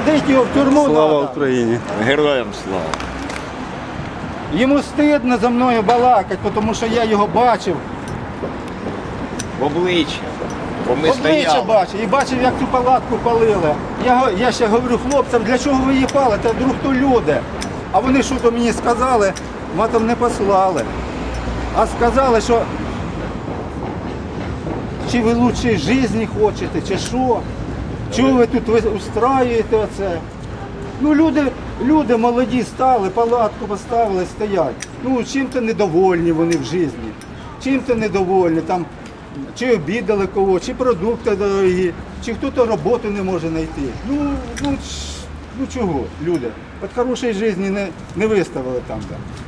посадити його в тюрму. Слава надо. Україні! Героям слава. Йому стидно за мною балакати, тому що я його бачив. В обличчя. Бо ми Обличчя стояли. бачив і бачив, як цю палатку палили. Я ще говорю хлопцям, для чого ви її палите, вдруг то люди. А вони що то мені сказали, матом не послали. А сказали, що чи ви лучшої житті хочете, чи що. Чого ви тут устраюєте оце? Ну люди молоді стали, палатку поставили, стоять. Ну чим-то недовольні вони в житті. Чим-то недовольні, там, чи обідали кого, чи продукти дорогі, чи хто-то роботу не може знайти. Ну чого, люди? От хорошої житті не виставили там.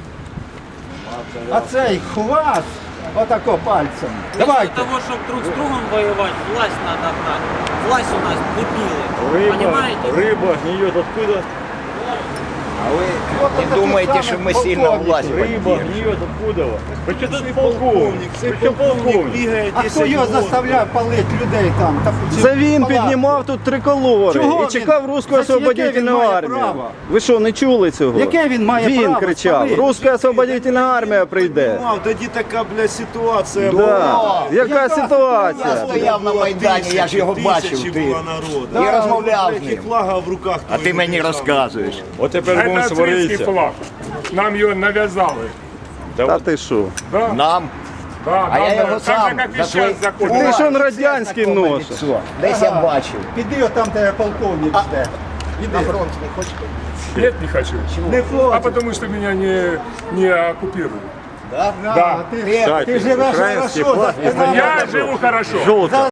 А цей хват, отако пальцем. Для Давайте. того, чтобы друг с другом воевать, власть надо брать. Власть у нас дебилы. Понимаете? Рыба гниет откуда? А ви Вот не таких думаєте, самих що ми сильно полковників. власть Рыба поддерживаем? гниет откуда? Причем тут полковник? Причем полковник? А хто його заставляв палити людей там? Це він Палатку? піднімав тут триколори Чого і чекав він? Руську Яке він освободительну має армію. право? Ви що, не чули цього? Яке він має Він право кричав, спалити? Руська освободительна армія прийде. Тоді така, бля, ситуація Да. Яка Я ситуація? стояв на Майдані, я ж його бачив. Ти. була народ. І розмовляв з І ним. флага в руках. А ти мені розказуєш. От тепер будемо Это австрийский сваритися. флаг. Нам его навязали. Та ти що? Да, Нам. да, А я нам його так сам же, как и за сейчас твої... заходят. Ти ж он радянський носиш. Десь я бачив. Піди отам, де полковник жде. На Іди. фронт не хочете? Нет, не хочу. Не А хочеш. потому что меня не оккупируют. Да? Да, ти живеш Український хорошо. флаг за спиною. Я живу хорошо. Жовта.